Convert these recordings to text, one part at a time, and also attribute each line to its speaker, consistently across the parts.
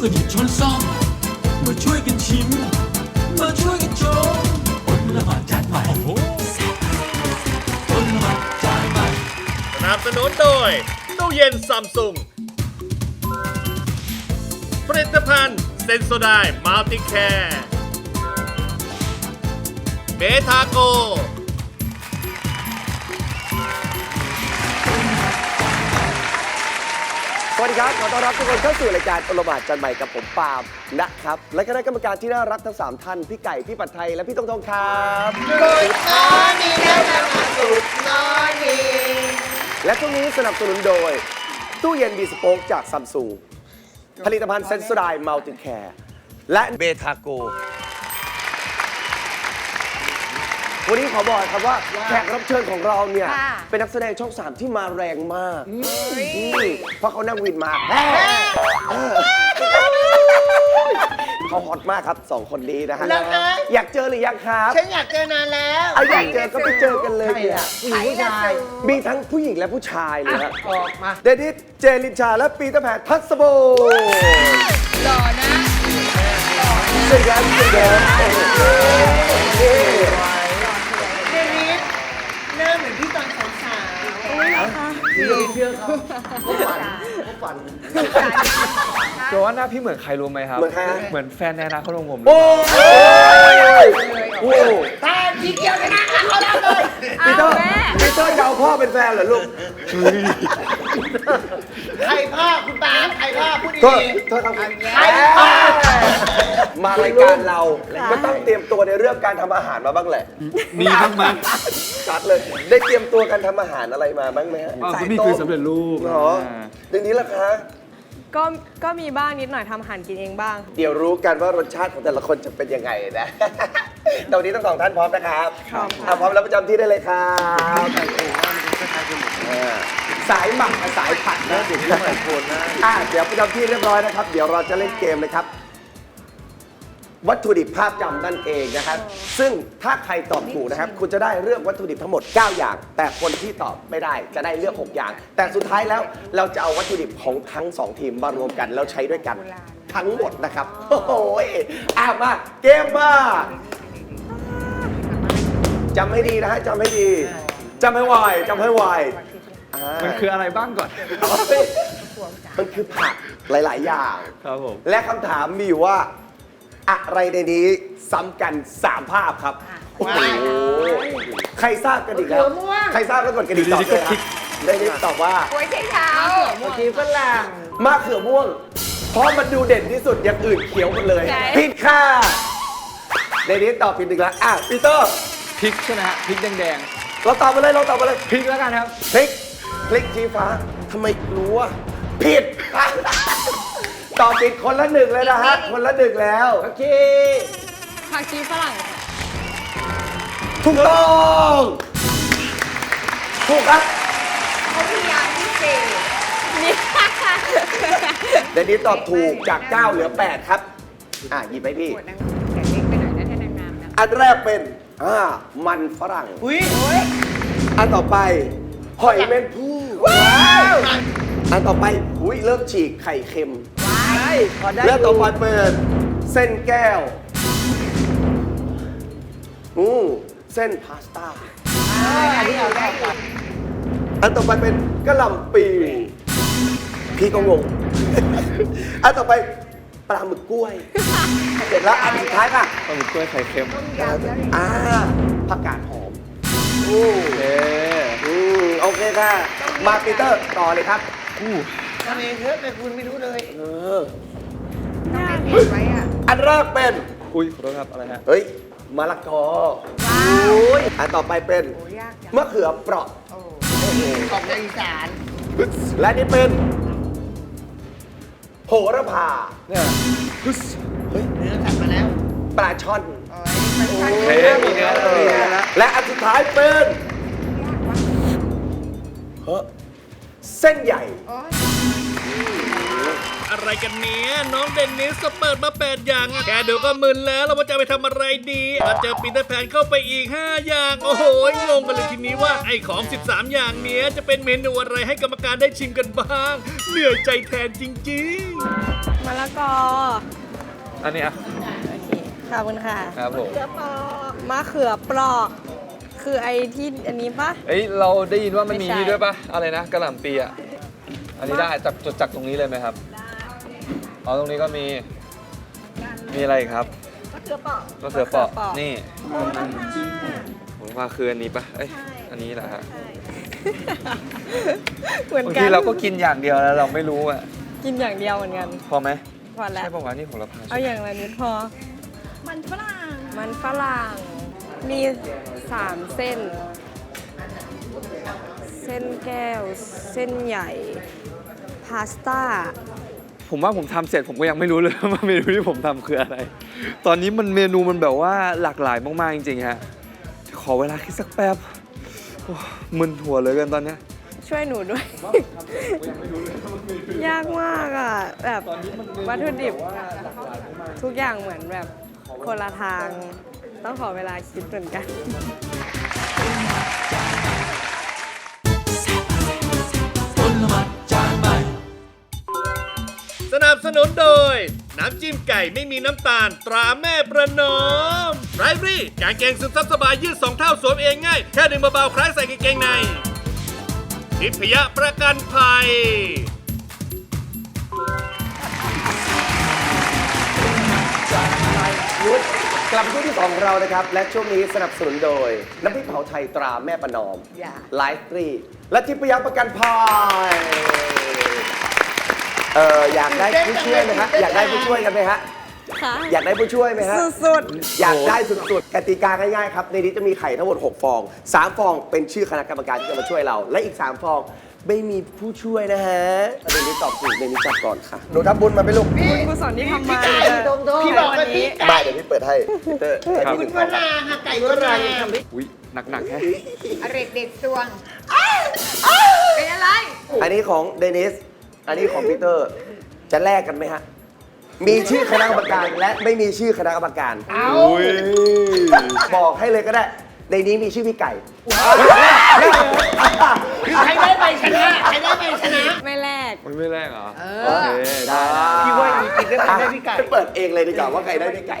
Speaker 1: กันหยิบช้อนซ่อมมาช่วยกันชิมมาช่วยกันชมอดละหมาดจานใหม่อดละหมาดจานใหม่
Speaker 2: สนับสนุนโดยตู้เย็นซัมซุงผลิตภัณฑ์เซนโซไดมัลติแคร์เบทาโก
Speaker 3: สวัสดีครับขอต้อนรับทุกคนเข้าสู่รายการอลหม่านจันใหม่กับผมปาล์มนะครับและคณะกรรมการที่น่ารักทั้ง3ท่านพี่ไก่พี่ปัดไทยและพี่ตงครับ
Speaker 4: Good morning นะคะGood morning
Speaker 3: และช่วงนี้สนับสนุนโดยตู้เย็นบีสโป๊กจากซัมซุงผลิตภัณฑ์เซนโซไดมัลติแคร์และเบทาโกวันนี้ขอบอกครับว่าแขกรับเชิญของเราเนี่ยเป็นนักแสดงช่อง 3 ที่มาแรงมากเพราะเขานั่งวินมาเขาฮอตมากครับ2คนนี้นะฮะอยากเจอหรือยังครับ
Speaker 4: ฉันอยากเจอนานแล้ว
Speaker 3: อยากเจอก็ไปเจอกันเลยเนี่ย
Speaker 4: ผู้ชาย
Speaker 3: มีทั้งผู้หญิงและผู้ชายเลยครับ
Speaker 4: ออกมา
Speaker 3: เดนิสเจลินชาและปีเตอร์แพนทัศโบ
Speaker 4: หล่อนะ
Speaker 3: สวัสดีครับสวัสดีครับ
Speaker 4: เดนิสหน้าเหมือนพี่ตอนสาวๆเชื่อเขาฝัน
Speaker 5: โจว่าหน้าพี่เหมือนใครรู้ไหมครับ
Speaker 3: เหมือนใคร
Speaker 5: เหมือนแฟนในอนาคตของผม
Speaker 3: โอ้ยโอ้
Speaker 4: ตาทีเดียวกันนะเขาแล้วเลย
Speaker 3: ปีเตอร์จะเอาพ่อเป็นแฟนเหรอลูก
Speaker 4: ใครพ่อคุณปาใครพ่อพูดดี
Speaker 3: โทษครับ
Speaker 4: ใครพ่อ
Speaker 3: มารายการเราก็ต้องเตรียมตัวในเรื่องการทำอาหารมาบ้างแหละ
Speaker 5: มีบ้างไหม
Speaker 3: จัดเลยได้เตรียมตัวการทำอาหารอะไรมาบ้างไหมฮะ
Speaker 5: ก็มีคือสำเร็จรูป
Speaker 3: เหรอเรื่องนี้ล่ะคะ
Speaker 6: ก็มีบ้างนิดหน่อยทำอาหารกินเองบ้าง
Speaker 3: เดี๋ยวรู้กันว่ารสชาติของแต่ละคนจะเป็นยังไงนะ ตอนนี้ทั้งสองท่านพร้อมนะครับพร้อมแล้วประจำที่ได้เลยครับสายหมักกับสายผัดนะเดี๋ยวที่หลายคนนะเดี๋ยวประจำที่เรียบร้อยนะครับ เดี๋ยวเราจะเล่นเกมเลยครับ วัตถุดิบภาพจำนั่นเองนะครับ ซึ่งถ้าใครตอบถูกนะครับ คุณจะได้เลือกวัตถุดิบทั้งหมด 9 อย่าง แต่คนที่ตอบไม่ได้จะได้เลือก 6 อย่าง แต่สุดท้ายแล้วเราจะเอาวัตถุดิบของทั้ง 2 ทีมมารวมกันแล้วใช้ด้วยกันทั้งหมดนะครับโอ้โหมาเกมมาจำให้ดีนะฮะจำให้ดีจำให้ไวจำให้ไว
Speaker 5: มันคืออะไรบ้างก่อน
Speaker 3: มันคือผักหลาย ๆ อย่าง
Speaker 5: ครับผม
Speaker 3: และคำถามมีอยู่ว่าอะไรในนี้ซ้ำกัน 3 ภาพครับโอ้โหใครทราบกันอีกแล้วใครทราบแล้วกดกระดิ่งตอบเลยครับได้นี้ตอบว่า
Speaker 6: โอ้ยใช่เท้า
Speaker 4: เมื่อกี้ฝรั่ง
Speaker 3: มะเขือม่วง เพราะมันดูเด่นที่สุดอย่างอื่นเขียวหมดเลยผิดค่ะในนี้ตอบผิดอีกแล้วปีเตอร์
Speaker 5: พริกใช่ไหมฮะ พริกแดง
Speaker 3: เราตอบมาเลยเราตอบมาเลย
Speaker 5: ๆ พริกแล้วกันครับ
Speaker 3: พลิกชี้ฟ้าทำไมรู้ว่าผิด ตอบผิดคนละหนึ่งเลยนะฮะคนละหนึ่งแล้วโอเค
Speaker 6: ผักชีฝรั่ง
Speaker 3: ถูกต้องถูกครับ
Speaker 4: เขาพยายามพิเศษ
Speaker 6: นี่
Speaker 3: เดนนี้ตอบถูกจาก 9 เหลือ 8 ครับหยิบไปพี่
Speaker 6: แกะเล็กไปหน่อยนะถ้านางงามนะ
Speaker 3: อันแรกเป็นมันฝรั่ง
Speaker 4: อุ้ย
Speaker 3: อันต่อไปหอยแมงผู้อันต่อไปเริ่มฉีกไข่เค็ม
Speaker 4: พอได้
Speaker 3: แล้วต่อไปเป็นเส้นแก้วเส้นพาสต้า
Speaker 4: อันนี้เอาได้ก่อน
Speaker 3: อันต่อไปเป็นกะหล่ำปีพี่ก็งง อันต่อไปปลาหมึกกล้วย เสร็จแล้วอันสุดท้ายค่ะ
Speaker 5: ปลาหมึกกล้วยไข่เค็ม
Speaker 3: ผักกาดหอม
Speaker 5: โอเค
Speaker 3: โอเคค่ะ มาปีเตอร์ต่อเลยครับ
Speaker 4: ทำเองเถอะแต่คุณไม่รู้เลย
Speaker 3: อันแรกเป็น
Speaker 5: อุ้ยขอโทษครับ อะไรฮะ
Speaker 3: เฮ้ยมะละกออันต่อไปเป็นมะเขือเปราะ
Speaker 4: ของในอีสาน
Speaker 3: และนี่เป็นโหระพา
Speaker 5: เนี่ย
Speaker 4: เนื้อตัดมาแล้ว
Speaker 3: ปลาช่อน
Speaker 5: โอเคมีเนื้อแล้วมีเนื้อแล้ว
Speaker 3: และอันสุดท้ายเป็นเส้นใหญ่
Speaker 2: อะไรกันเนี้ยน้องเดนนิสเปิดมา8อย่างอะแค่ดูก็มึนแล้วเราจะไปทำอะไรดีแล้วเจอปีเตอร์แพนเข้าไปอีก5อย่างโอ้โหงงกันเลยทีนี้ว่าไอ้ของ13อย่างเนี้ยจะเป็นเมนูอะไรให้กรรมการได้ชิมกันบ้างเหนื่อยใจแทนจริงๆ
Speaker 6: มะละกอ
Speaker 5: อันนี้อ่ะ
Speaker 6: ขอบคุณค่ะ
Speaker 5: ครับผม
Speaker 6: มะเขือเปราะคือไอ้ที่อันนี้ปะ
Speaker 5: เอ้ยเราได้ยินว่ามันมี
Speaker 6: ไม่ใช่
Speaker 5: นี่ด้วยปะอะไรนะกระหล่ำปีอ่ะอันนี้ได้จากตรงนี้เลยไหมครับอ๋อตรงนี้ก็มีอะไรอีกครับมะเขือเปราะนี่ผมว่าคืออันนี้ปะเอ้ยอันนี้แหละฮะ
Speaker 6: เหมือน
Speaker 5: บาง
Speaker 6: กั
Speaker 5: ที
Speaker 6: น
Speaker 5: เราก็กินอย่างเดียวแล้วเราไม่รู้อ่ะ
Speaker 6: กินอย่างเดียวเหมือนกัน
Speaker 5: พอไหม
Speaker 6: พอแล้ว
Speaker 5: ใช่ปะวะนี่โหระพา
Speaker 6: เอาอย่างละนิดพอ มันฝรั่ง มี3เส้น เส้นแก้ว เส้นใหญ่ พาสต้า
Speaker 5: ผมว่าผมทำเสร็จผมก็ยังไม่รู้เลย ว่าเมนูที่ผมทำคืออะไร ตอนนี้เมนูมันแบบว่าหลากหลายมากๆจริงๆฮะขอเวลาคิดสักแป๊บโอ้มึนหัวเลยกันตอนเนี้ย
Speaker 6: ช่วยหนูด้วย ยากมากอ่ะ แบบวัตถุดิบทุกอย่างเหมือนแบบคนละทาง ต้องขอเวลาคิดเหมือนกัน
Speaker 1: ผลไม้จานใหม่
Speaker 2: สนับสนุนโดย น้ำจิ้มไก่ไม่มีน้ำตาลตราแม่ประนอมไรฟรี่กางเกงซึมซับสบายยืด2 เท่าสวมเองง่าย แค่ดึงเบาๆคล้ายใส่กางเกงในทิพยประกันภัย
Speaker 3: ยุทธกลับมาช่วงที่ 2 ของเรานะครับ และช่วงนี้สนับสนุนโดย น้ำพริกเผาไทยตราแม่ประนอมไลฟ์ฟรีและทิพยประกันภัยอยากได้ผู้ช่วยไหมฮะอยากได้ผู้ช่วยกันไหมฮะ
Speaker 6: ค่ะ
Speaker 3: อยากได้ผู้ช่วยไหมฮะ
Speaker 6: สุด
Speaker 3: อยากได้สุดๆกติกาง่ายๆครับในนี้จะมีไข่ทั้งหมด6 ฟอง3 ฟองเป็นชื่อคณะกรรมการที่จะมาช่วยเรา และอีก3 ฟองไม่มีผู้ช่วยนะฮะประเด็นนี้ตอบถูกในนี้จับก่อนค่ะหนูทำบุญมาไหมลูก
Speaker 6: ๆบุญกุศลที่ทำมา
Speaker 4: พี่บอกว่าพี่
Speaker 3: ไม่เดี๋ยวพี่เปิดให้พีเตอร์ให้พี่ห
Speaker 4: คุ
Speaker 3: นึ่
Speaker 4: ณ
Speaker 3: ง
Speaker 4: ว
Speaker 3: ฟอง
Speaker 4: ราค่ะไก่วรา
Speaker 5: อุ้ยหนักแฮะ
Speaker 7: อเรกเด็ดตวง เป็นอะไร
Speaker 3: อันนี้ของเดนิสอันนี้ของพีเตอร์จะแลกกันไหมฮะมีชื่อคณะกรรมการและไม่มีชื่อคณะกรรมการ
Speaker 5: อุ้ย
Speaker 3: บอกให้เลยก็ได้ในนี้มีชื่อพี่ไก่
Speaker 4: ใครได้ไปชนะใครได้ไปชนะ
Speaker 6: ไม่แลก
Speaker 5: มันไม่แรกเหรอโอเคได้
Speaker 4: พี่ว่าอีกทีได้ไปได้พี่ไก่
Speaker 3: เปิดเองเลยดีกว่าว่าใครได้พี่ไก่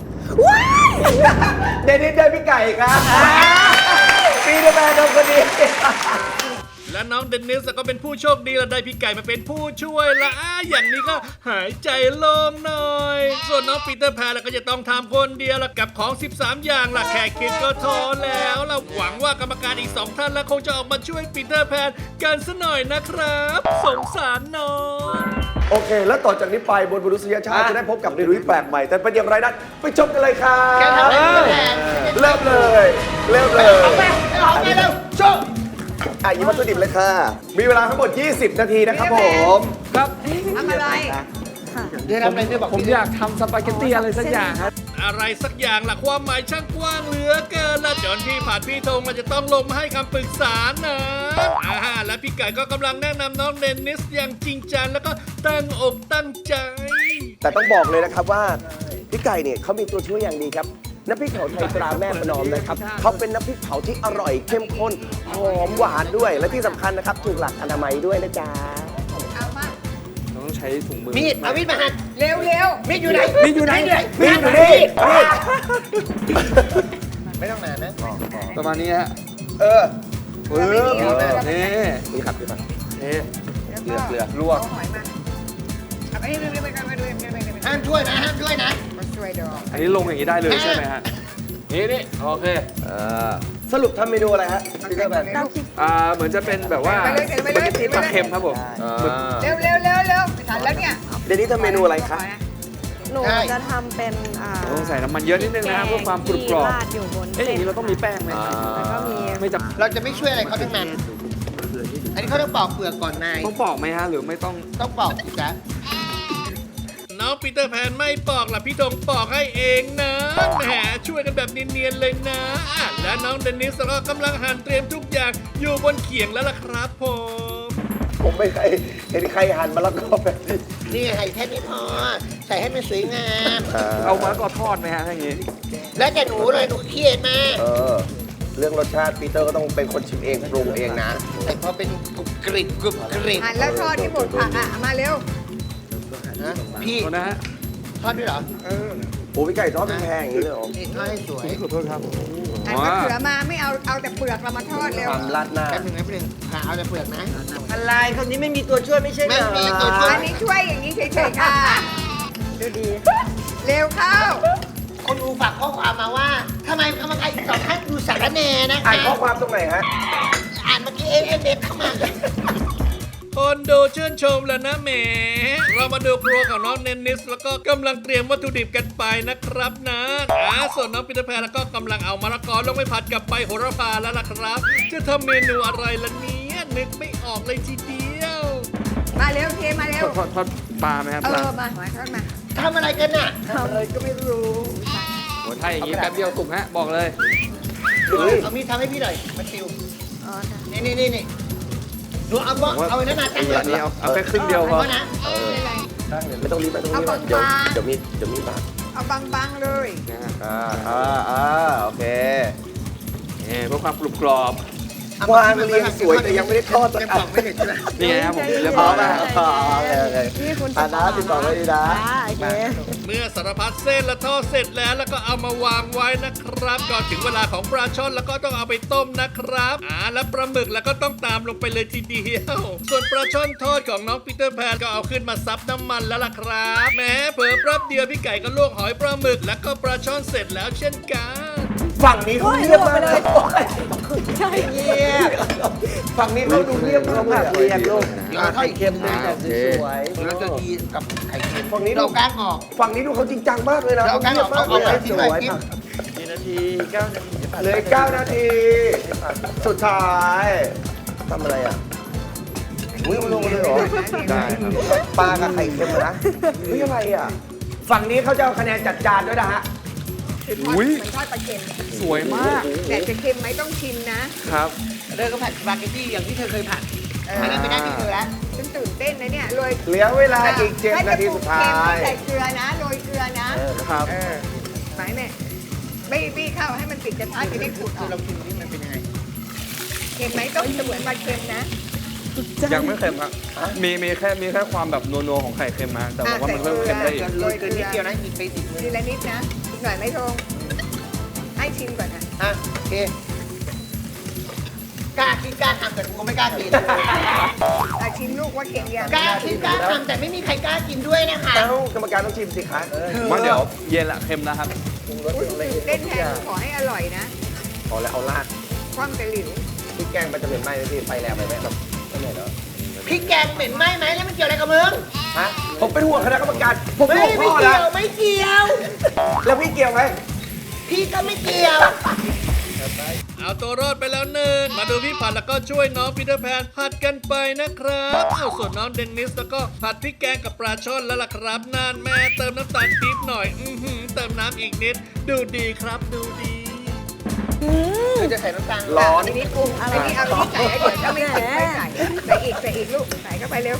Speaker 3: เดนิสได้พี่ไก่ครับปีเดอร์แมนโดนคนนี้
Speaker 2: และน้องเดนนิสก็เป็นผู้โชคดีและได้พี่ไก่มาเป็นผู้ช่วยละอย่างนี้ก็หายใจโล่งหน่อย ส่วนน้องปีเตอร์แพนก็จะต้องทำคนเดียวละกับของ 13 อย่างละแค่คิดก็ท้อแล้วเราหวังว่ากรรมการอีก 2 ท่านแล้วคงจะออกมาช่วยปีเตอร์แพนกันซะหน่อยนะครับ สงสารน้อง
Speaker 3: โอเค แล้วต่อจากนี้ไปบนมนุษยชาติจะได้พบกับเมนูที่แปลกใหม่ แต่เป็นอย่างไรนั้นไปชมกันเลยครับ
Speaker 4: แกทำอะไรแทน
Speaker 3: เริ่มเลยเริ่มเลย
Speaker 4: เอาไปเร็วโชว์
Speaker 3: อ่ะหยิบวัตถุดิบเลยค่ะ มีเวลาทั้งหมด 20 นาทีนะครับผม
Speaker 5: ครับ
Speaker 7: ทำอะไร
Speaker 4: เดี๋ยวทำอะไรเนี่ยบอก
Speaker 5: ผมอยากทำสปาเกตตี้อะไรสักอย่างครับ
Speaker 2: อะไรสักอย่างล่ะความหมายช่างกว้างเหลือเกินละจนพี่ผ่านพี่ธงเราจะต้องลงมาให้คำปรึกษานะและพี่ไก่ก็กำลังแนะนำน้องเดนนิสอย่างจริงจังแล้วก็ตั้งอกตั้งใจ
Speaker 3: แต่ต้องบอกเลยนะครับว่าพี่ไก่เนี่ยเขามีตัวช่วยอย่างดีครับน้ำพริกเผาไทยตราแม่ประนอมนะครับเขาเป็นน้ำพริกเผาที่อร่อยเข้มข้นหอมหวานด้วย และที่สำคัญนะครับถูกหลักอนามัยด้วยนะจ๊ะ
Speaker 7: เอามา
Speaker 5: เราต้องใช้ถุงมือ
Speaker 4: มีดเอามีดมาหั่น
Speaker 7: เร็วเร็ว
Speaker 4: มีดอยู่ไหน
Speaker 3: มีดอยู่ไหน
Speaker 4: มีดอยู่
Speaker 3: มีดอยู่นี่
Speaker 4: ไม่ต้องนานนะ
Speaker 5: ประมาณนี้ฮะ
Speaker 3: เออ
Speaker 5: นี่
Speaker 3: นี่ครับพี่ปัง
Speaker 5: เอ๊ะเกลือลวก
Speaker 7: เอาหอยมาเอาไปเร็วไปกันไปดู
Speaker 4: ห้ามช่วยนะห้ามช่วยนะ
Speaker 7: มาช่วยดอก
Speaker 5: อันนี้ลงอย่างนี้ได้เลยใช่ไหมฮะ นี่โอเค
Speaker 3: สรุปทำเมนูอะไรฮะพี่เตอร์แมน
Speaker 5: เหมือนจะเป็นแบบว่า
Speaker 7: ไปเลยไปเลย
Speaker 5: สปาเกตตี้ปลาเค็มครับผม
Speaker 7: เร็วเร็วเร็วเร็วไม่ทันแล้วเนี่ย
Speaker 3: เดี๋ยวนี้ทำเมนูอะไรคะ
Speaker 6: หนูจะทำเป็น
Speaker 5: ต้องใส่น้ำมันเยอะนิดนึงนะครับเพื่อความกรุบกรอบ
Speaker 6: ที่ราดอยู่บน
Speaker 5: เอ๊ะอย่างนี้เราต้องมีแป้งไหม
Speaker 6: แล้วก็มี
Speaker 5: ไม่จะ
Speaker 4: เราจะไม่ช่วยอะไรเขาทั้งนั้น อันนี้เขาต้องปอกเปลือกก่อนนาย
Speaker 5: ต้องปอกไหมฮะหรือไม่ต้อง
Speaker 4: ต้องปอกสิจ๊ะ
Speaker 2: น้องปีเตอร์แพนไม่ปอกล่ะพี่ธงปอกให้เองนะแหมช่วยกันแบบเนียนๆเลยนะและน้องเดนนิสก็กำลังหั่นเตรียมทุกอย่างอยู่บนเขียงแล้วล่ะครับผม
Speaker 3: ผมไม่เคยเห็นใครหั่นมะละกอแบบนี้
Speaker 4: นี่ไงแค่นี้พอใส่ให้มันสวยงาม
Speaker 5: เอามะละกอทอดไหมฮะถ้าอย่างงี้
Speaker 4: แล้วแต่หนูเลยหนูเครียดมาก
Speaker 3: เรื่องรสชาติปีเตอร์ก็ต้องเป็นคนชิมเองปรุงเองนะ
Speaker 4: แต่พอเป็นกรุบกริบกรุบกริบ
Speaker 7: หั่นแล้วทอดที่บดผักอ่ะ มาเร็ว
Speaker 4: นะพี่
Speaker 5: โทษนะฮะ
Speaker 4: ทอดด้วยเหรอ
Speaker 3: โอ้พี่ไก่ทอดเป็นแพงอย่างนี้เลยเหรอ
Speaker 4: นี่ทอดให้สวย
Speaker 5: ขอโทษครับ
Speaker 7: หั่นมะเขือมาไม่เอาแต่เปลือกเรามาทอดเร็ว
Speaker 3: ทำราดหน้า
Speaker 4: แป๊บนึงขาเอาแต่เปลือกนะ
Speaker 8: อะไรคนนี้ไม่มีตัวช่วยไม่ใช่เหร
Speaker 4: ไม่
Speaker 8: อ
Speaker 4: มีตัวช่วย
Speaker 7: อันนี้ช่วยอย่างนี้เฉยๆค่ะ
Speaker 6: ดูดี
Speaker 7: เร็วเข้า
Speaker 4: คนดูฝากข้อความมาว่าทำไมกรรมการอีก2ท่านดูสารแหน่นะ
Speaker 3: อ่า
Speaker 4: คะ
Speaker 3: นข้อความตรงไหนฮะ
Speaker 4: อ่านเมื่อกี้เด็กเข้ามา
Speaker 2: คนดูชื่นชมแล้วนะแหมเรามาดูครัวของน้องเนนนิสแล้วก็กำลังเตรียมวัตถุดิบกันไปนะครับนะส่วนน้องปีเตอร์แพนแล้วก็กำลังเอามะละกอลงไปผัดกับใบโหระพาแล้วล่ะครับ จะทำเมนูอะไรล่ะเนี่ยนึกไม่ออกเลยทีเดียว
Speaker 7: มาเร็วเทมาเร็ว
Speaker 5: ทอดปลาไหมครับ
Speaker 7: เอ
Speaker 5: ปลา
Speaker 7: อมาทอดมา
Speaker 4: ทำอะไรกันน่ะ
Speaker 3: อะไรก็ไม่รู้
Speaker 5: โอ้ถ้าอย่างงี้แป๊บเดียวสุกฮะ บอกเลย
Speaker 4: เอามีดทำให้พี่หน่อยมาชิวนี่ดูเอาไว้นั่นนะตั้ง
Speaker 5: อันนี้เอาแค่ครึ่งเดียวพอ
Speaker 4: เอานะ
Speaker 3: ไม่ต้องรีบไม่ต้องรีบ
Speaker 7: เอา
Speaker 3: เดี๋ยว
Speaker 7: บางๆ
Speaker 3: เดี๋ยวมีบาด
Speaker 7: เอาบางๆเลย
Speaker 5: นะฮะ
Speaker 3: โอเค
Speaker 5: เพื่อความกรุบกรอบ
Speaker 3: วางเรียงสวยแต่ยังไม่ได้ทอดสัก
Speaker 4: ยัง
Speaker 3: อั
Speaker 4: บ
Speaker 3: น
Speaker 4: อกไม่เห็นใช่ไหม
Speaker 5: นี่ไงครับผมเรียบ
Speaker 3: อ๋
Speaker 5: ร้
Speaker 3: อ
Speaker 5: อยแล้ว
Speaker 3: โอเค
Speaker 6: นี่คุณ
Speaker 3: อ่านะติดต่อไว้ดีนะ
Speaker 6: โอเค
Speaker 2: เมื่อสารพัดเส้นและทอดเสร็จแล้วก็เอามาวางไว้นะครับก่อนถึงเวลาของปลาช่อนแล้วก็ต้องเอาไปต้มนะครับแล้วปลาหมึกแล้วก็ต้องตามลงไปเลยทีเดียว ส่วนปลาช่อนทอดของน้องปีเตอร์แพนก็เอาขึ้นมาซับน้ำมันแล้วล่ะครับแหม้เผลอแป๊บเดียวพี่ไก่ก็ลวกหอยปลาหมึกแล้วก็ปลาช่อนเสร็จแล้วเช่นกัน
Speaker 3: ฝั่งนี้เขาเงียบมากเลย
Speaker 6: ใช่
Speaker 3: เงียบฝั่งนี้เขาดูเงียบมากเลย
Speaker 8: เรียนลูก
Speaker 4: เดี๋ยวเราทอด
Speaker 8: ไข่เค็มด้วยแต่สวย
Speaker 4: เราจะดีกับไข่เค็ม
Speaker 3: ฝั่งนี้
Speaker 4: เราก้างออก
Speaker 3: ฝั่งนี้ดูเขาจริงจังมากเลยนะ
Speaker 4: เราก้างออกเอาไปที่ไหนกิน
Speaker 8: กี่นาที9 นาทีจะผ่าน
Speaker 3: เหลย9 นาที สุดท้ายทำอะไรอ่ะอุ้ยลงมาเลยเหรอ
Speaker 5: ได้ครับ
Speaker 3: ปลากับไข่เค็มนะเฮ้ยอะไรอ่ะ ฝั่งนี้เขาจะเอาคะแนนจัดจานด้วยนะฮะ
Speaker 5: อุ้ย
Speaker 7: เหมือนทอดปลาเค็ม
Speaker 5: สวยมาก
Speaker 7: แต่จะเค็มไหมต้องชิมนะครับ
Speaker 4: เดินก็ผัดสปาเกตตี้อย่างที่เธอเคยผัดอันนั้นไม่ได้ที่เธอแล้ว
Speaker 7: ฉันตื่นเต้นนะเนี่ยโรย
Speaker 3: เหลือเวลาอีก7 นาทีสุดท้าย
Speaker 7: ใส่เกลือนะโรยเกลือนะครับ ไหนแม่ไม่บี้เข้าให้มันติดกระทะจะได้ขูดออก
Speaker 4: เรากินนี่มันเป็นยังไง
Speaker 7: เค็มไหมต้องเสมือนปลาเค็มนะ
Speaker 5: ยังไม่เค็มครับ มีแค่ความแบบนัวๆของไข่เค็มมาแต่บอกว่ามันเพิ่มเค็มได้อีก
Speaker 4: โรยเกินนิดเดียวนะมีไปติดเลย
Speaker 7: ทีละนิดนะอีกหน่อยไม่ทงให้ชิมก่อนนะ
Speaker 4: โอเคกล้าคิดกล้าทำแต่กูก็ไม่กล้ากิน
Speaker 7: ชิมลูกว่าเค็มยัง
Speaker 4: กล้าคิดกล้าทำแต่ไม่มีใครกล้ากินด้วยนะคะ
Speaker 3: เอ้ากรรมการต้องชิมสิคะ
Speaker 5: มาเดี๋ยวเย็นละเค็มนะครับ
Speaker 7: อุ๊ยตื่นเต้นแทนขอให้อร่อยนะ
Speaker 3: พอแล้วเอาลาด
Speaker 7: คว่ำตะหลิว
Speaker 3: พี่แกงมันจะเป็นไหม้ไหมพี่ไฟแรงไปไหมแบบไม่เหนื่อยเหรอ
Speaker 4: พริกแกงเหม็นไหมไหมแล้วมันเกี่ยวอะไรกับมึง
Speaker 3: ฮะผมเป็นห่วงคณะกรรมการผม
Speaker 4: ไม่
Speaker 3: ห่วงพ่อ
Speaker 4: เกี่
Speaker 3: นะ
Speaker 4: ยวไม่เกี่ยว
Speaker 3: แล้วพี่เกี่ยวไหม
Speaker 4: พี่ก็ไม่เกี่ยว
Speaker 2: เอาตัวรอดไปแล้วหนึ่งมาดูพี่ผัดแล้วก็ช่วยน้องปีเตอร์แพนผัดกันไปนะครับเอาส่วนน้องเดนนิสแล้วก็ผัดพริกแกงกับปลาช่อนแล้วล่ะครับนานแม่เติมน้ำตาลปี๊บหน่อยเติมน้ำอีกนิดดูดีครับดูดี
Speaker 4: คือจะใส่น้ำตาล
Speaker 3: ร้อน
Speaker 7: อันนี้ปรุงอันนี้เอาที่ใส่ให้เดี๋ยวถ้าไม่ถึงไม่ใส่ใส่อีกลูกใส่เข้าไปเร็ว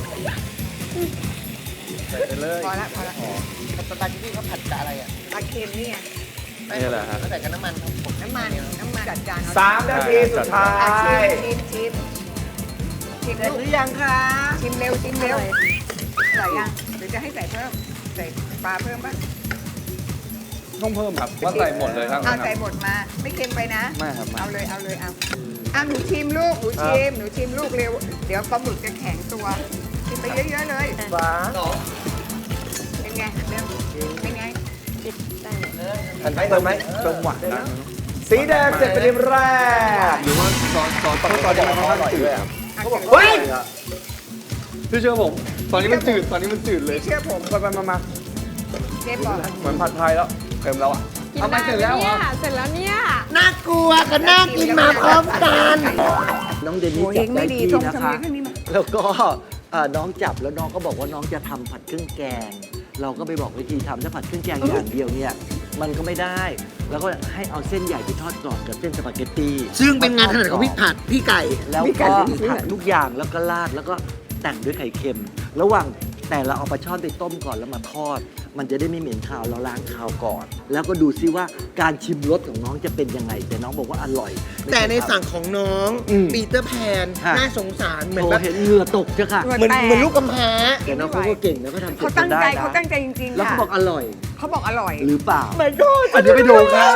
Speaker 7: พอละ
Speaker 4: สปาเกตตี้เขาผัดกับอะไรอ่ะ
Speaker 7: ปลาเค็มนี่ไง
Speaker 5: นี่แหละฮะ
Speaker 4: เขาใส่กับน้ำมันครับผม
Speaker 7: น้ำมันจัดจานเอา
Speaker 3: 3 นาทีสุดท้า
Speaker 7: อ่ะ
Speaker 3: ย
Speaker 7: ชิม
Speaker 8: เสร็จหรือยังคะ
Speaker 7: ชิมเร็วใส่ยังหรือจะให้ใส่เพิ่มใส่ปลาเพิ่มบ้าง
Speaker 5: ต้องเพิ่มครับว่าใส่หมดเลยครับ
Speaker 7: เอาใส่หมดมาไม่เค็มไปนะ
Speaker 5: ไม่ครับไม่
Speaker 7: เอาเลยเอาหนูชิมลูกหนูชิมลูกเร็วเดี๋ยวปลาหมึกจะแข็งตัวชิมไปเยอะๆเลย
Speaker 3: ฟ้า
Speaker 7: เป็นไงเร็วเป็นไง
Speaker 3: ทันไหมทันไหม
Speaker 5: จังหวะนั้น
Speaker 3: สีแดงเสร็จเป็นทีมแรก
Speaker 5: หรือว่าซอสตอนนี้มันค่อนข้างจืด
Speaker 3: เขาบอกเฮ้ย
Speaker 5: พี่เชื่อผม ตอนนี้มันจืดเลย
Speaker 7: เชื่อผม
Speaker 5: มา
Speaker 7: เชฟบอก
Speaker 5: เหมือนผัดไทยแล้วเค็มแล้วอ่ะ
Speaker 6: กินได้เสร็จแล้วเสร็จแล้วเนี่ย
Speaker 4: น่ากลัวกับน่ากินมาพร้อมกัน
Speaker 8: น้องเดนนี่
Speaker 7: โอ้ย
Speaker 8: จั
Speaker 7: ยั
Speaker 8: บ
Speaker 7: ง
Speaker 8: ได้
Speaker 7: ไม่ดี
Speaker 8: ที่
Speaker 7: ทง
Speaker 8: นะ
Speaker 7: สมั
Speaker 8: คะ
Speaker 7: ยขึ้นนี่มา
Speaker 8: แล้วก็น้องจับแล้วน้องก็บอกว่าน้องจะทำผัดเครื่องแกง เราก็ไปบอกวิธีทำถ้าผัดเครื่องแกงอย่างเดียวเนี่ยมันก็ไม่ได้ แล้วก็ให้เอาเส้นใหญ่ไปทอดกรอบกับเส้นสปาเกตตี้
Speaker 4: ซึ่งเป็นงานถนัดของพี่ผัดพี่ไก่
Speaker 8: แล้วก็ผัดทุกอย่างแล้วก็ราดแล้วก็แต่งด้วยไข่เค็ม ระหว่างแต่เราเอาปลาช่อนไปต้มก่อนแล้วมาทอด มันจะได้ไม่เหม็นคาวเราล้างคาวก่อน แล้วก็ดูซิว่าการชิมรสของน้องจะเป็นยังไง แต่น้องบอกว่าอร่อย
Speaker 4: แต่ในสั่งของน้อง
Speaker 8: อืม
Speaker 4: ปีเตอร์แพน
Speaker 8: ฮะ
Speaker 4: น่าสงสารเหมือน
Speaker 8: โอ้
Speaker 4: แบบ
Speaker 8: เห็นเหงื่อตกจ้ะค่ะ
Speaker 4: เหมือนลูกกำพร้า
Speaker 8: แต่น้องเขาก็เก่งนะเขาทำ
Speaker 7: เขา
Speaker 8: เสร็จ
Speaker 7: ตั้ง
Speaker 8: ได้
Speaker 7: ใจ
Speaker 8: นะ
Speaker 7: เขาตั้งใจจริงๆ
Speaker 8: แล้ว
Speaker 7: ค่ะ
Speaker 8: เขาบอกอร่อย
Speaker 7: เขาบอกอร่อย
Speaker 8: หรือเปล่า
Speaker 4: ไม่ก็
Speaker 8: อันนี้ไปดูครับ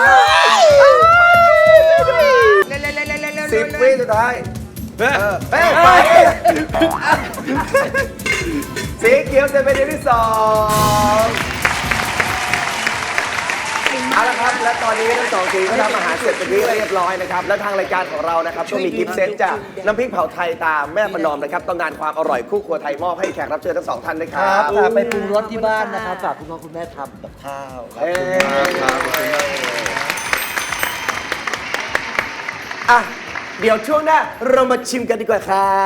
Speaker 7: เร็วๆๆๆๆๆ
Speaker 3: 10 วิสุดท้ายเฮ้ยไปสีเขียวจะเป็นทีมที่2เอาละครับ และตอนนี้ทั้งสองทีมก็ทำอาหารเสร็จเป็นที่เรียบร้อยนะครับ และทางรายการของเรานะครับก็มีกิฟต์เซตจากน้ำพริกเผาไทยตามแม่ประนอมนะครับตำนานความอร่อยคู่ครัวไทยมอบให้แขกรับเชิญทั้งสองท่านนะค
Speaker 8: ค
Speaker 3: รั
Speaker 8: รับ บฝากไปปรุงรสที่บ้านนะครับฝากคุณพ่อคุณแม่ทำกับข้าวครับ
Speaker 3: เอ้อ่ะเดี๋ยวช่วงหน้าเรามาชิมกันดีกว่าครับ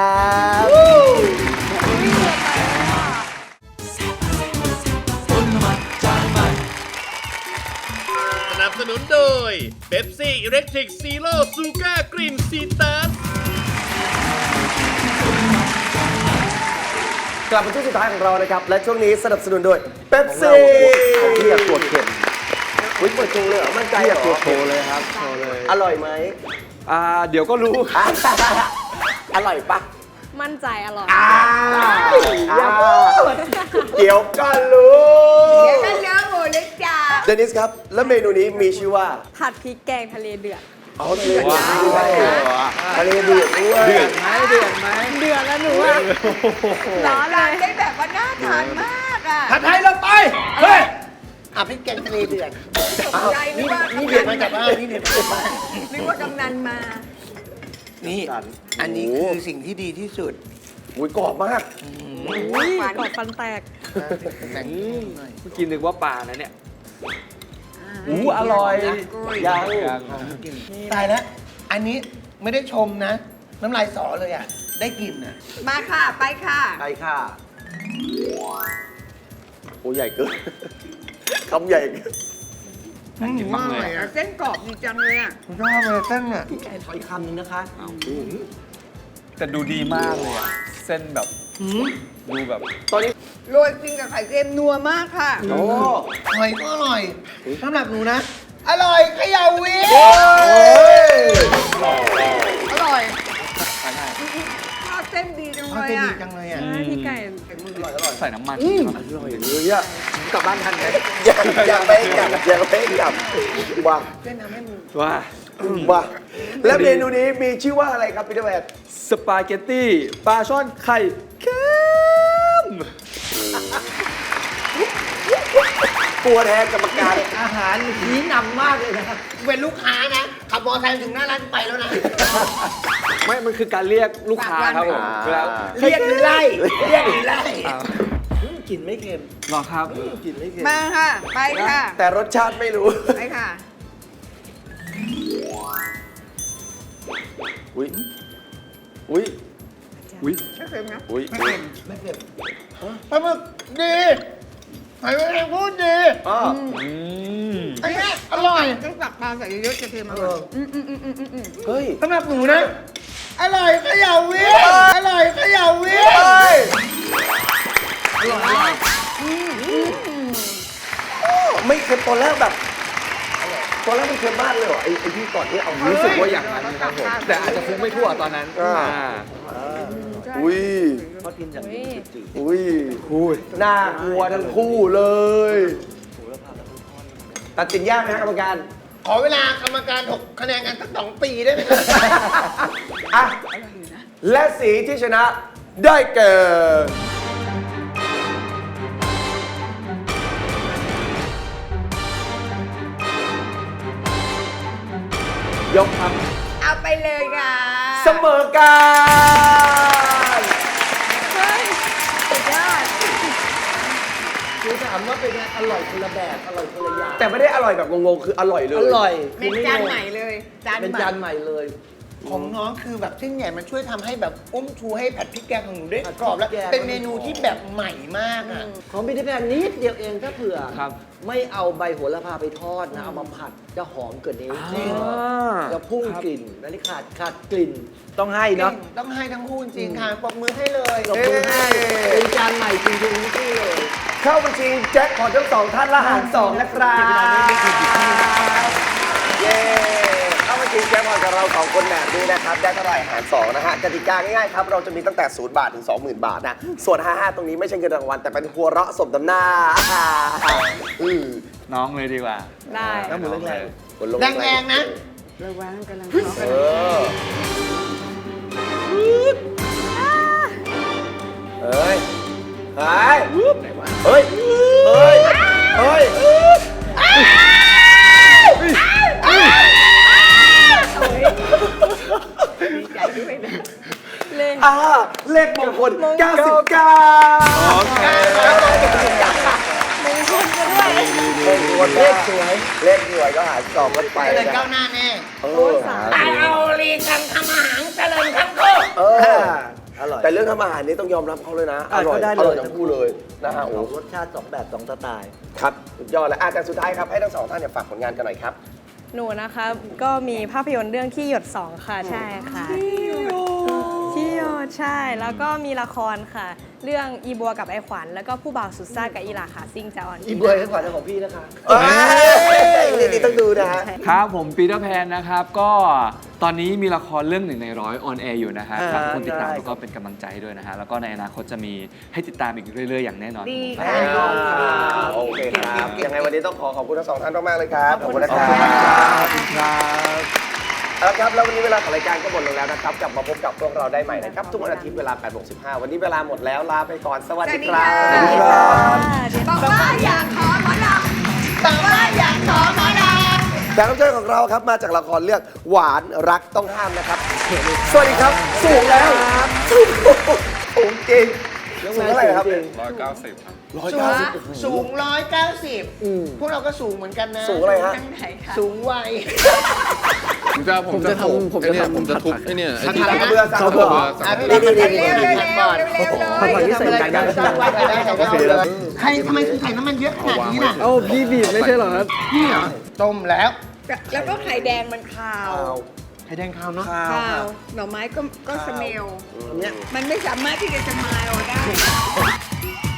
Speaker 2: สนับสนุนโดยเบปซี่อิเล็กทริกซีโร่ซูก้ากรีนซีตัส
Speaker 3: กลับมาช่วงสุดท้ายของเรานะครับ และช่วงนี้สนับสนุนโดยเป๊ปซี่
Speaker 8: ที่อยากตรวจเข็ม
Speaker 3: อุ้ยเปิดโชว์เลยเหรอมั่นใจ
Speaker 8: ที่
Speaker 3: เห
Speaker 8: อ
Speaker 3: ร
Speaker 8: ยากตรวจ
Speaker 3: อ
Speaker 8: โชว์เลยครับโชว์เลย
Speaker 3: อร่อยไหม
Speaker 5: เดี๋ยวก็รู้
Speaker 3: อร่อยปะ
Speaker 6: มั่นใจอร่อย
Speaker 3: เดี๋ยวก็รู้
Speaker 7: เดี๋ยวกันเนื้อหมูเลยจ้า
Speaker 3: เดนิสครับ แล้วเมนูนี้มีชื่อว่า
Speaker 6: ผัดพริกแกงทะเลเดือด
Speaker 3: เอาทะเลเดือดด้วยทะเลเดือดด้วย
Speaker 8: เดือดไหมเดือดไหม
Speaker 6: เดือดแล้วหนูอะร้อนเล
Speaker 7: ร้าน
Speaker 6: ย
Speaker 7: ได้แบบว่าน่าทานมากอ่ะ
Speaker 4: ผัดไทยเราไป เฮ้ยอ่ะพริกแกงทะเลเดือด
Speaker 7: ตกใจนึกว่า
Speaker 4: นี่เดือดมาจากบ้านนี่เดือดมาจากบ้าน
Speaker 7: นึกว่ากำนันมา
Speaker 4: นี่ อันนี้คือสิ่งที่ดีที่สุด
Speaker 3: อุ้ยกรอบมาก
Speaker 6: อุ้ยกรอบฟันแตก
Speaker 4: แต่ง
Speaker 5: เมื่อกี้นึกว่าปลานะเนี่ย
Speaker 3: อร่อย ยัง
Speaker 4: ตายแล้ว อันนี้ไม่ได้ชมนะ น้ำลายสอเลยอ่ะ ได้กลิ่นอ่ะ
Speaker 7: มาค่ะ ไปค่ะ
Speaker 3: ไปค่ะโอ้ใหญ่เกิน คำใหญ่เกิน
Speaker 5: กินมากเลยอะ
Speaker 7: เส้นกรอบดีจังเลยอ่ะ
Speaker 4: ชอบเลยเส้นอ่ะ
Speaker 8: ขออีกคำหนึงนะคะ
Speaker 5: แต่ดูดีมากเลยอะเส้นแบบดูแบบ
Speaker 3: ตอนนี้
Speaker 7: โรยกินกับไข่เค็มนัวมากค่ะ
Speaker 3: โอ้
Speaker 4: หอยก็อร่อยสำหรับหนูนะ อร่อยเขย่าวิ
Speaker 7: อร่อยทอดเส้นดีจัง
Speaker 4: เขา
Speaker 7: เลย
Speaker 4: จะดี
Speaker 7: อ่ะ
Speaker 4: จังเลยอ่ะ
Speaker 6: ใช่พี่ไก่
Speaker 5: ใส่น้ำมัน
Speaker 3: อร่อยเลยอะ
Speaker 4: กลับบ้านทันไหม
Speaker 3: ยังไม่กลับยังไม่กลับว้า
Speaker 4: เส้นทำให้มึง
Speaker 5: ว่า
Speaker 3: ว้าและเมนูนี้มีชื่อว่าอะไรครับพี่เดชแมน
Speaker 5: สปาเกตตี้ปลาช่อนไข่เค็ม
Speaker 3: กลัวแทนกรรมการ
Speaker 8: อาหารชี้นำมากเลยนะครับ
Speaker 4: เป็นลูกค้านะ ขับมอเตอร์ไซค์ถึงหน้าร้านไปแล้วนะ
Speaker 5: ไม่ มันคือการเรียกลูกค้าครับผมเวลา
Speaker 4: เรียกหรือไล่ เรียกหรือไล่
Speaker 8: กลิ่นไม่เค็ม
Speaker 5: หรอครับ
Speaker 8: กลิ่นไม่เค็ม
Speaker 7: มาค่ะ ไปค่ะ
Speaker 3: แต่รสชาติไม่รู้
Speaker 7: ไปค่ะ
Speaker 3: อุ้ยอุ้ย
Speaker 5: อุ้ย
Speaker 7: ไม่เค็มนะ
Speaker 3: อุ้ย
Speaker 4: ไม่เค็มไม่เค็มปลาหมึกดีหอยแมลงภู่ดี
Speaker 3: อ๋อ
Speaker 4: อันเนี้ยอร่อย
Speaker 7: ต้องตักปลาใส่เยอะๆจะเค็มอร่อย
Speaker 3: เฮ้ย
Speaker 4: สำหรับหนูนะ อร่อยเขย่าวิอร่อยเขย่าวิ
Speaker 3: เฮ้ยไม่เค็มตอนแรกแบบตอนแรกมันเค็มมากเลยเหรอไอ้ที่ก่อนที่เอา
Speaker 5: รู้สึกว่าอย่างนั้นครับผม แต่อาจจะคงไม่ทั่วตอนนั้น
Speaker 3: อุ้ย
Speaker 8: เขากินอย่างนี้จืด
Speaker 3: อุ้ยน่ากลัวทั้งคู่เลยตัดสินยากไหมครับกรรมการ
Speaker 4: ขอเวลากรรมการ6คะแนนกันสัก2 ปีได้ไหม
Speaker 3: อ่ะ และสีที่ชนะได้แก่ยกครับ
Speaker 7: เอาไปเลยค่ะ
Speaker 3: เสมอกัน
Speaker 6: เฮ้ยสุดยอด
Speaker 8: ๆคือถามว่าเป็นไงอร่อยคนละแบบ อร่อยคนละอย่าง
Speaker 3: แต่ไม่ได้อร่อยแบบงงๆ คืออร่อยเลย
Speaker 8: อร่อย
Speaker 7: เป็นจานใหม่เลย จาน
Speaker 8: เป็น
Speaker 7: ใหม่
Speaker 8: จานใหม่เลย
Speaker 4: ของน้องคือแบบเส้นใหญ่มันช่วยทำให้แบบอุ้มชูให้ผัดพริกแกงของหนูได้กรอบแล้วเป็นเมนูที่แบบใหม่มากอ่ะ
Speaker 8: ของบิทแพนนิดเดียวเองถ้าเผื่อ
Speaker 5: ครับ
Speaker 8: ไม่เอาใบโหระพาไปทอดนะ เอามาผัดจะหอมกว่านี้
Speaker 5: จริง
Speaker 8: จะพุ่งกลิ่นอันนี้ขาดกลิ่น ต้องให้เนาะ
Speaker 4: ต้องให้ทั้งคู่จริงค่ะปรบมือให้เลย
Speaker 8: ขอบคุณให้เป็นจานใหม่จริงๆที่เลย
Speaker 3: เข้าบัญชีแจ็คของทั้งสองท่านละหารสองนะครับเย้เข้าบัญชีแจ็คพอตกับเราสองคนแบบนี้นะครับได้เท่าไหร่หารสองนะฮะกติกาง่ายๆครับเราจะมีตั้งแต่0 บาทถึง 20,000 บาทนะส่วน 55 ตรงนี้ไม่ใช่เงินรางวัลแต่เป็นหัวเราะสมน้ำหน้า
Speaker 5: น้องเลยดีกว่า
Speaker 6: ได้
Speaker 5: น้องมือแรง
Speaker 4: แรงๆนะ
Speaker 7: ระวังกำลังท้องกัน
Speaker 3: เฮ้ยเฮ้ยเฮ้ยเฮ้ยเฮ้ยเลขมงคล99
Speaker 5: โอเค
Speaker 3: เลขสวยเลขสวยก็หารสองกันไป
Speaker 4: เลย
Speaker 3: นะ
Speaker 4: ก้าวหน้าแน่
Speaker 7: ตายเอาลีกันทำอาหารเจริญทั้งคู่
Speaker 8: อร่อย
Speaker 3: แต่เรื่องทำอาหารนี่ต้องยอมรับเขาเลยนะ อร่อย
Speaker 8: ก็ได้
Speaker 3: อ
Speaker 8: เล
Speaker 3: ร่อย
Speaker 8: ย
Speaker 3: ทั้งคู่เลยนะฮะโอ้
Speaker 8: รสชาติ2แบบ2สไตล์
Speaker 3: ครับสุดยอดแล้วแต่สุดท้ายครับให้ทั้งสองท่านเนี่ยฝากผลงานกันหน่อยครับ
Speaker 6: หนูนะคะก็มีภาพยนตร์เรื่องที่หยด 2 ค่ะ ใช่ค่ะที่หยดใช่ แล้วก็มีละครค่ะ เรื่องอีบัวกับไอขวัญแล้วก็ผู้บ่าวสุดซ่ากับอีหลาขาซิ่งจะออน
Speaker 8: อีบวยให้ขวัญของพี่นะคะ
Speaker 3: นี่ต้องดูนะฮะ
Speaker 5: ครับผมปีเตอร์แพนนะครับ ก็ตอนนี้มีละครเรื่อง1 ใน 100ออนแอร์อยู่นะฮะฝากทุกคนติดตาม
Speaker 8: ได้
Speaker 5: แล้วก็เป็นกำลังใจด้วยนะฮะ แล้วก็ในอนาคตจะมีให้ติดตามอีกเรื่อยๆ อย่างแน่นอน
Speaker 7: ดี
Speaker 5: ค
Speaker 7: ค่ะ
Speaker 5: รับ
Speaker 3: โอเคครับยังไงวันนี้ต้องขอบคุณทั้งสองท่านมากๆเลยครับขอบคุณนะ
Speaker 5: ข
Speaker 3: ค
Speaker 5: อบ
Speaker 3: รับ
Speaker 5: คุณครับขอบคุณครับ
Speaker 3: เอาละครับแล้ววันนี้เวลาของรายการก็หมดลงแล้วนะครับกลับมาพบกับพวกเราได้ใหม่นะครับทุกวันอาทิตย์เวลา 8:15 วันนี้เวลาหมดแล้วลาไปก่อนสวัสดีครับ
Speaker 6: สวัสดีค่ะ
Speaker 7: บอกว่าอยากขอหมอลำบอกว่าอยากขอหมอลำ
Speaker 3: แขกรับเชิญของเราครับมาจากละครเรื่องหวานรักต้องห้ามนะครับสวัสดีครับสูงแล้วสูงจริงสูงเท่าไหร่ครับ
Speaker 5: 190 ครับ
Speaker 4: สูง190พวกเราก็สูงเหมือนกันนะ
Speaker 3: สูงอะไรฮะ
Speaker 4: สูงวัย
Speaker 9: ผมจะทุบไอ้เนี่ยไอ้ที่
Speaker 3: สั่งกระเบือสั่งกระเบือ
Speaker 4: พี่ดี
Speaker 7: เร็วเร็วเร็วเร็วเร็ว
Speaker 8: ผัดผักที่ใส่ใจได้ใช่ไหม
Speaker 4: ใครทำไมคุณใส่น้ำมันเยอะขนาดนี้ล่ะ
Speaker 8: เอ้าพี่บีบไม่ใช่เหรอครับ
Speaker 4: นี่เหรอต้มแล้ว
Speaker 7: แล้วก็ไข่แดงมันคาว
Speaker 4: ไข่แดงขาวเนาะ
Speaker 7: คาวหน่อไม้ก็สเมลมันไม่สามารถที่จะสมายเอาได้